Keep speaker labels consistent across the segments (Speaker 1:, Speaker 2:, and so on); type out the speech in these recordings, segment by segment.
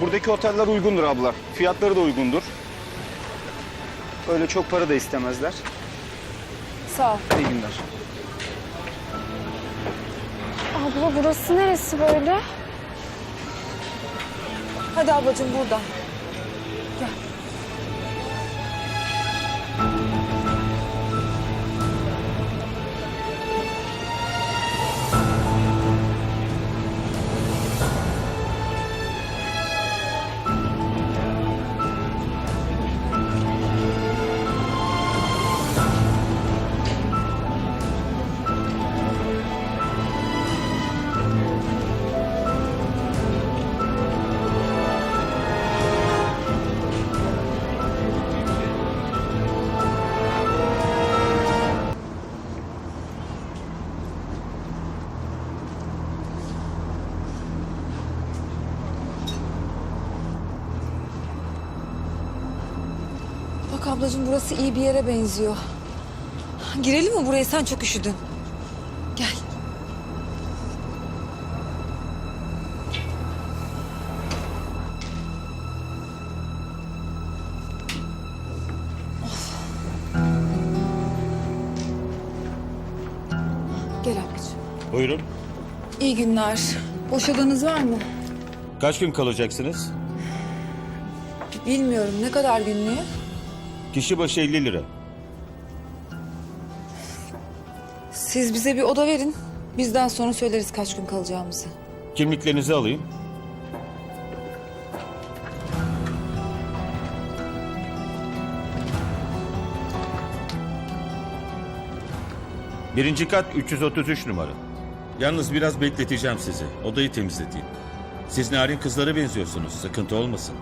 Speaker 1: Buradaki oteller uygundur abla. Fiyatları da uygundur. Öyle çok para da istemezler.
Speaker 2: Sağ ol.
Speaker 1: İyi günler.
Speaker 2: Abla burası neresi böyle? Hadi ablacığım buradan. Gel. Bak ablacığım burası iyi bir yere benziyor. Girelim mi buraya? Sen çok üşüdün. Gel. Of. Gel ablacığım.
Speaker 3: Buyurun.
Speaker 2: İyi günler. Boş odanız var mı?
Speaker 3: Kaç gün kalacaksınız?
Speaker 2: Bilmiyorum. Ne kadar günlüğü?
Speaker 3: Kişi başı 50 lira.
Speaker 2: Siz bize bir oda verin. Bizden sonra söyleriz kaç gün kalacağımızı.
Speaker 3: Kimliklerinizi alayım. Birinci kat 333 numara. Yalnız biraz bekleteceğim sizi. Odayı temizleteyim. Siz narin kızlara benziyorsunuz. Sıkıntı olmasın.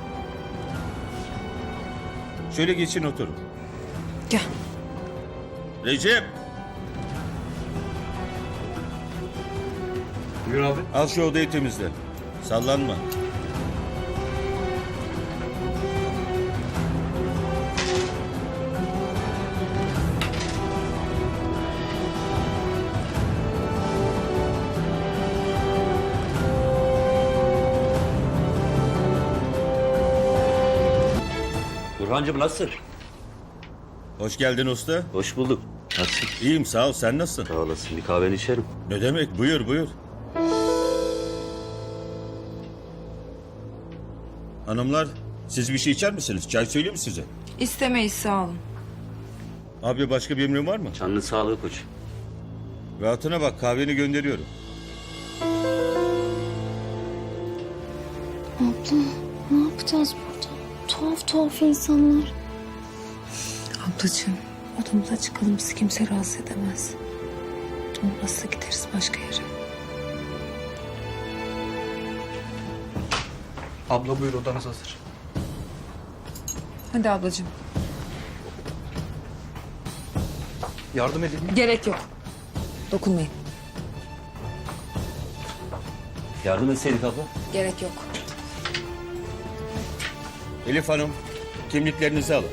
Speaker 3: Şöyle geçin oturun.
Speaker 2: Gel.
Speaker 3: Recep!
Speaker 4: Buyur abi.
Speaker 3: Al şu odayı temizle. Sallanma.
Speaker 4: Burhancığım nasılsın?
Speaker 3: Hoş geldin usta.
Speaker 4: Hoş bulduk. Nasılsın?
Speaker 3: İyiyim sağ ol. Sen nasılsın?
Speaker 4: Sağ olasın. Bir kahveni içerim.
Speaker 3: Ne demek? Buyur buyur. Hanımlar siz bir şey içer misiniz? Çay söyleyeyim mi size?
Speaker 2: İstemeyiz sağ olun.
Speaker 3: Abi başka bir emrin var mı?
Speaker 4: Canlı sağlığı koç.
Speaker 3: Rahatına bak kahveni gönderiyorum.
Speaker 5: Abla ne yapacağız burada? Tuhaf tuhaf insanlar.
Speaker 2: Ablacığım odamıza çıkalım, bizi kimse rahatsız edemez. Olmazsa gideriz başka yere.
Speaker 1: Abla buyur, odanız hazır.
Speaker 2: Hadi ablacığım.
Speaker 1: Yardım edeyim mi?
Speaker 2: Gerek yok. Dokunmayın.
Speaker 4: Yardım etseydik abla.
Speaker 2: Gerek yok.
Speaker 3: Elif Hanım kimliklerinizi alın.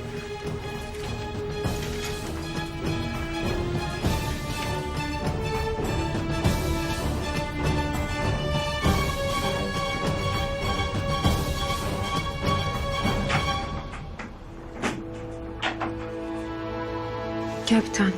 Speaker 2: Gel bir tane.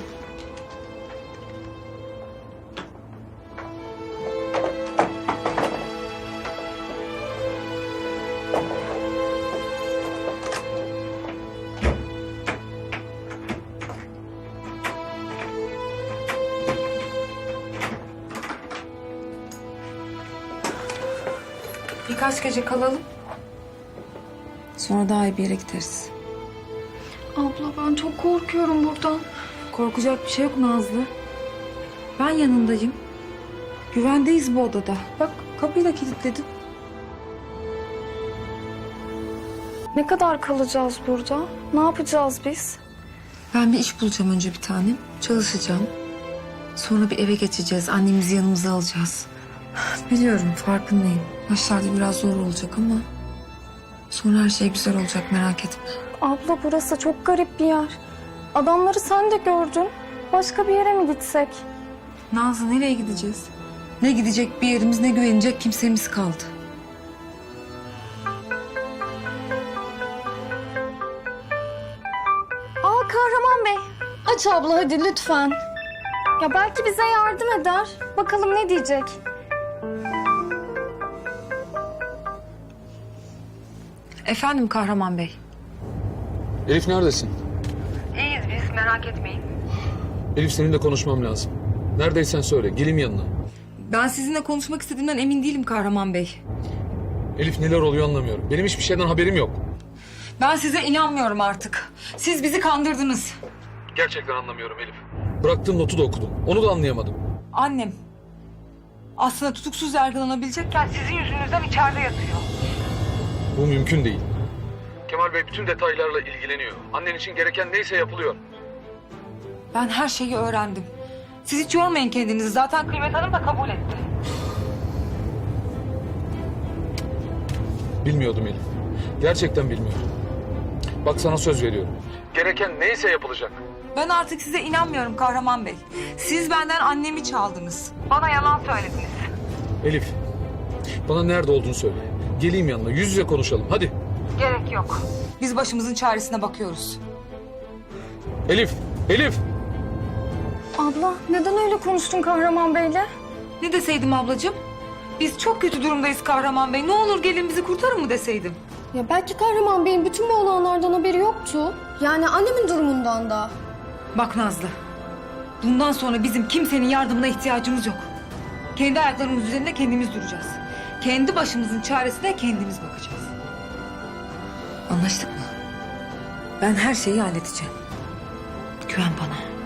Speaker 2: Birkaç gece kalalım. Sonra daha iyi bir yere gideriz.
Speaker 5: Abla ben çok korkuyorum buradan.
Speaker 2: Korkacak bir şey yok Nazlı. Ben yanındayım. Güvendeyiz bu odada. Bak kapıyı da kilitledim.
Speaker 5: Ne kadar kalacağız burada? Ne yapacağız biz?
Speaker 2: Ben bir iş bulacağım önce bir tanem. Çalışacağım. Sonra bir eve geçeceğiz. Annemizi yanımıza alacağız. Biliyorum farkındayım. Başlarda biraz zor olacak ama... sonra her şey güzel olacak, merak etme.
Speaker 5: Abla burası çok garip bir yer. Adamları sen de gördün. Başka bir yere mi gitsek?
Speaker 2: Nazlı nereye gideceğiz? Ne gidecek bir yerimiz ne güvenecek kimsemiz kaldı.
Speaker 5: Aç abla hadi lütfen. Ya belki bize yardım eder. Bakalım ne diyecek.
Speaker 2: Efendim Kahraman Bey.
Speaker 6: Elif neredesin?
Speaker 2: İyiyiz biz, merak etmeyin.
Speaker 6: Elif seninle konuşmam lazım. Neredeysen söyle, geleyim yanına.
Speaker 2: Ben sizinle konuşmak istediğimden emin değilim Kahraman Bey.
Speaker 6: Elif neler oluyor anlamıyorum. Benim hiçbir şeyden haberim yok.
Speaker 2: Ben size inanmıyorum artık. Siz bizi kandırdınız.
Speaker 6: Gerçekten anlamıyorum Elif. Bıraktığım notu da okudum. Onu da anlayamadım.
Speaker 2: Annem aslında tutuksuz yargılanabilecekken sizin yüzünüzden içeride yatıyor.
Speaker 6: Bu mümkün değil. Kemal Bey bütün detaylarla ilgileniyor. Annen için gereken neyse yapılıyor.
Speaker 2: Ben her şeyi öğrendim. Siz hiç yormayın kendinizi. Zaten Kıymet Hanım da kabul etti.
Speaker 6: Bilmiyordum Elif. Gerçekten bilmiyordum. Bak sana söz veriyorum. Gereken neyse yapılacak.
Speaker 2: Ben artık size inanmıyorum Kahraman Bey. Siz benden annemi çaldınız. Bana yalan söylediniz.
Speaker 6: Elif, bana nerede olduğunu söyle. Geleyim yanına, yüz yüze konuşalım. Hadi.
Speaker 2: Gerek yok. Biz başımızın çaresine bakıyoruz.
Speaker 6: Elif, Elif!
Speaker 5: Abla neden öyle konuştun Kahraman Bey'le?
Speaker 2: Ne deseydim ablacığım? Biz çok kötü durumdayız Kahraman Bey. Ne olur gelin bizi kurtarın mı deseydim?
Speaker 5: Ya belki Kahraman Bey'in bütün bu olanlardan haberi yoktu. Yani annemin durumundan da.
Speaker 2: Bak Nazlı. Bundan sonra bizim kimsenin yardımına ihtiyacımız yok. Kendi ayaklarımız üzerinde kendimiz duracağız. Kendi başımızın çaresine kendimiz bakacağız. Anlaştık mı? Ben her şeyi halledeceğim. Güven bana.